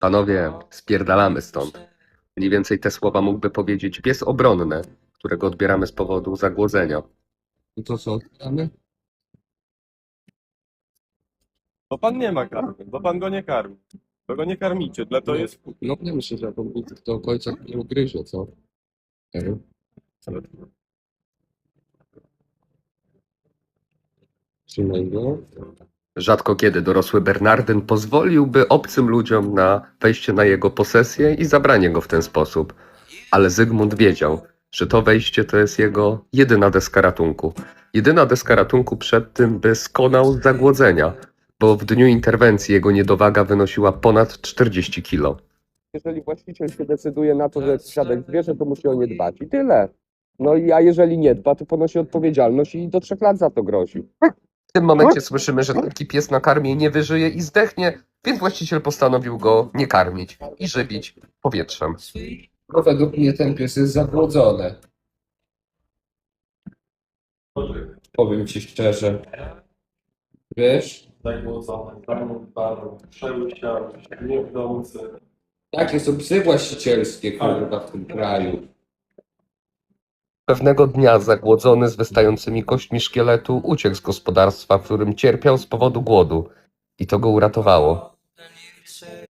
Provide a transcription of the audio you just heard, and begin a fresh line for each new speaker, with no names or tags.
Panowie, spierdalamy stąd. Mniej więcej te słowa mógłby powiedzieć pies obronny, którego odbieramy z powodu zagłodzenia.
No to co, odbieramy?
Bo pan nie ma karmy, bo pan go nie karmi. Bo go nie karmicie, dla to jest...
No nie myślę, że on do końca nie ugryzie, co? Trzymaj go.
Rzadko kiedy dorosły Bernardyn pozwoliłby obcym ludziom na wejście na jego posesję i zabranie go w ten sposób. Ale Zygmunt wiedział, że to wejście to jest jego jedyna deska ratunku. Jedyna deska ratunku przed tym, by skonał z zagłodzenia, bo w dniu interwencji jego niedowaga wynosiła ponad 40 kilo.
Jeżeli właściciel się decyduje na to, że jest świadek zwierzę, to musi o nie dbać i tyle. No i a jeżeli nie dba, to ponosi odpowiedzialność i do 3 lat za to grozi.
W tym momencie słyszymy, że taki pies na karmie nie wyżyje i zdechnie, więc właściciel postanowił go nie karmić i żywić powietrzem.
No według mnie ten pies jest zagłodzony. Powiem ci szczerze. Wiesz,
Zagłodzony, zamówiony, przełysiały, niewdący.
takie są psy właścicielskie, kurwa, w tym kraju.
Pewnego dnia zagłodzony z wystającymi kośćmi szkieletu uciekł z gospodarstwa, w którym cierpiał z powodu głodu. I to go uratowało.